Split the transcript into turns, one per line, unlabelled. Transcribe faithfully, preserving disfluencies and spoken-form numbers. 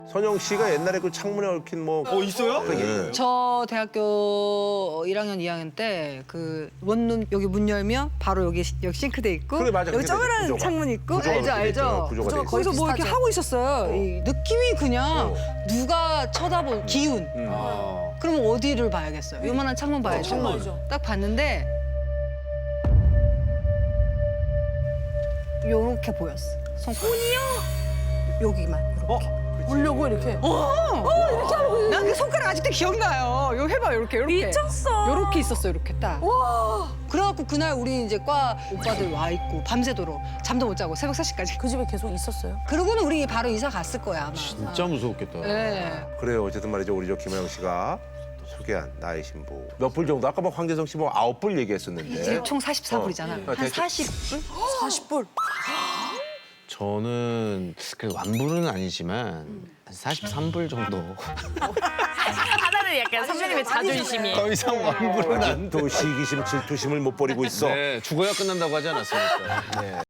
선영 씨가 옛날에 그 창문에 얽힌 뭐.
어 있어요?
네.
저 대학교 일 학년, 이 학년 때 그 원룸 여기 문 열면 바로 여기 여기 싱크대 있고
그래, 맞아.
여기
그게
조그란
구조가.
창문 있고
구조가
알죠
그렇게 돼 있잖아,
알죠.
구조가 돼 있어.
거기서 뭐 이렇게
비슷하죠.
하고 있었어요. 이 느낌이 그냥
어.
누가 쳐다본 기운.
아.
그러면 어디를 봐야겠어요? 요만한 창문 봐야죠.
창문 알죠.
딱 봤는데 요렇게 보였어. 손이요? 여기만. 이렇게.
보려고 이렇게.
난 그 손가락 아직도 기억나요. 요 해봐, 요렇게, 요렇게.
미쳤어.
요렇게 있었어, 요렇게 딱.
와.
그래갖고 그날 우리 이제 과 오빠들 와 있고 밤새도록 잠도 못 자고 새벽 세 시까지.
그 집에 계속 있었어요?
그러고는 우리 바로 이사 갔을 거야, 아마.
진짜 무서웠겠다.
네.
그래요. 어쨌든 말이죠. 우리 저 김호영 씨가 소개한 나의 신부. 몇 불 정도? 아까 뭐 황재성 씨 뭐 아홉 불 얘기했었는데.
이게 총 사십사 불이잖아.
어,
한
대충-
사십 불?
사십 불.
저는 그래도 완불은 아니지만 한 사십삼 불 정도.
하나는 약간 선배님의 자존심이.
더 이상 완불은 안 돼.
아직도 시기심, 질투심을 못 버리고 있어.
네, 죽어야 끝난다고 하지 않았습니까? 네.